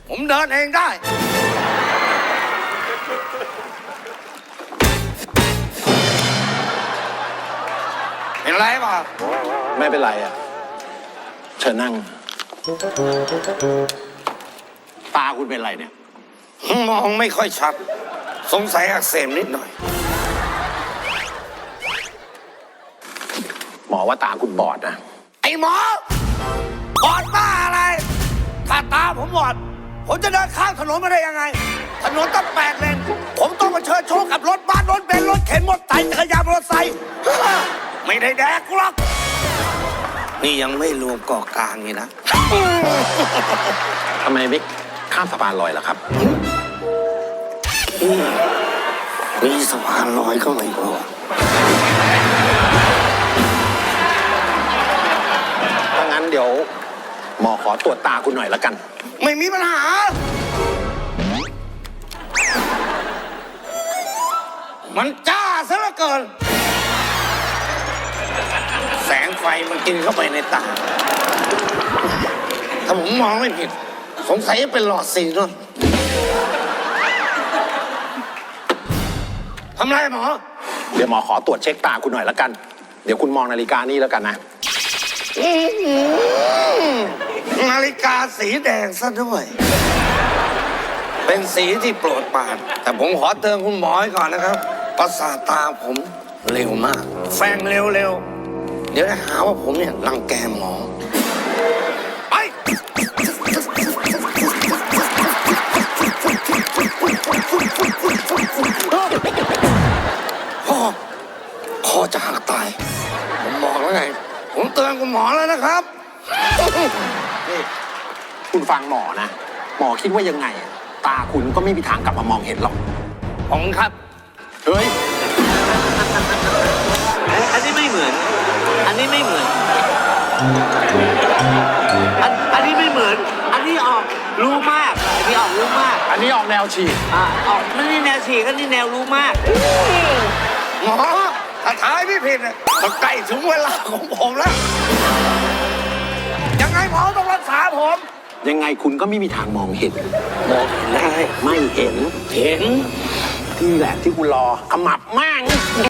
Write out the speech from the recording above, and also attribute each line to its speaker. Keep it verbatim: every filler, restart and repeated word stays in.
Speaker 1: ผมเดินเองได้เป็นไรป่ะ
Speaker 2: ไม่เป็นไรอ่ะเชิญนั่งตาคุณเป็นไรเนี่ย
Speaker 1: มองไม่ค่อยชัดสงสัยอักเสบนิดหน่อย
Speaker 2: หมอว่าตาคุณบอดนะ
Speaker 1: ไอ้หมอบอดบ้าอะไรถ้าตาผมบอดผมจะเดินข้ามถนนมาได้ยังไงถนนตั้งแปดเลนผมต้องมาเชิญโชคกับรถบ้านรถเบนซ์รถเข็นมอเตอร์ไซค์จักรยานมอเตอร์ไซค์ไม่ได้แดกหรอกนี่ยังไม่รวมเกาะกลางนี่นะ
Speaker 2: ทำไมไม่ข้ามสะพานลอยล่ะครับ
Speaker 1: มีสะพานลอยก็ไม่พอ
Speaker 2: ถ้างั้นเดี๋ยวหมอขอตรวจตาคุณหน่อยละกัน
Speaker 1: ไม่มีปัญหามันจ้าซะเหลือเกินแสงไฟมันกินเข้าไปในตาถ้าผมมองไม่ผิดสงสัยจะเป็นหลอดซีนนทำไรหมอ
Speaker 2: เดี๋ยวหมอขอตรวจเช็คตาคุณหน่อยละกันเดี๋ยวคุณมองนาฬิกานี่แล้วกันนะ
Speaker 1: นาฬิกาสีแดงซะด้วยเป็นสีที่โปรดปรานแต่ผมขอเตือนคุณหมอไว้ก่อนนะครับประสาทตาผมเร็วมากแฟงเร็วๆเดี๋ยวจะหาว่าผมเนี่ยรังแกหมอไปพ่อพ่อจะหักตายผมบอกแล้วไงผมเตือนคุณหมอแล้วนะครับ
Speaker 2: นี่คุณฟังหมอนะหมอคิดว่ายังไงตาคุณก็ไม่มีทางกลับมามองเห็นหรอก
Speaker 1: ผมครับ
Speaker 2: เฮ้ย
Speaker 3: อันนี้ไม่เหมือนอันนี้ไม่เหมือนอันอันนี้ไม่เหมือนอันนี้ออกรู้มากอันนี้ออกรู้มาก
Speaker 2: อันนี้ออกแนวฉีก
Speaker 3: อ่าออกนั่นนี่แนวฉีกอันนี้แนวรู้มาก
Speaker 1: หมอถ้าทายไม่ผิดเนี่ยมันใกล้ถึงเวลาของผมแล้วยังไงหมอต้องรักษาผม
Speaker 2: ยังไงคุณก็ไม่มีทางมองเห็น
Speaker 1: มองได้
Speaker 2: ไม่เห็น
Speaker 1: เห็น
Speaker 2: ที่แหละที่คุณรอขมับมาก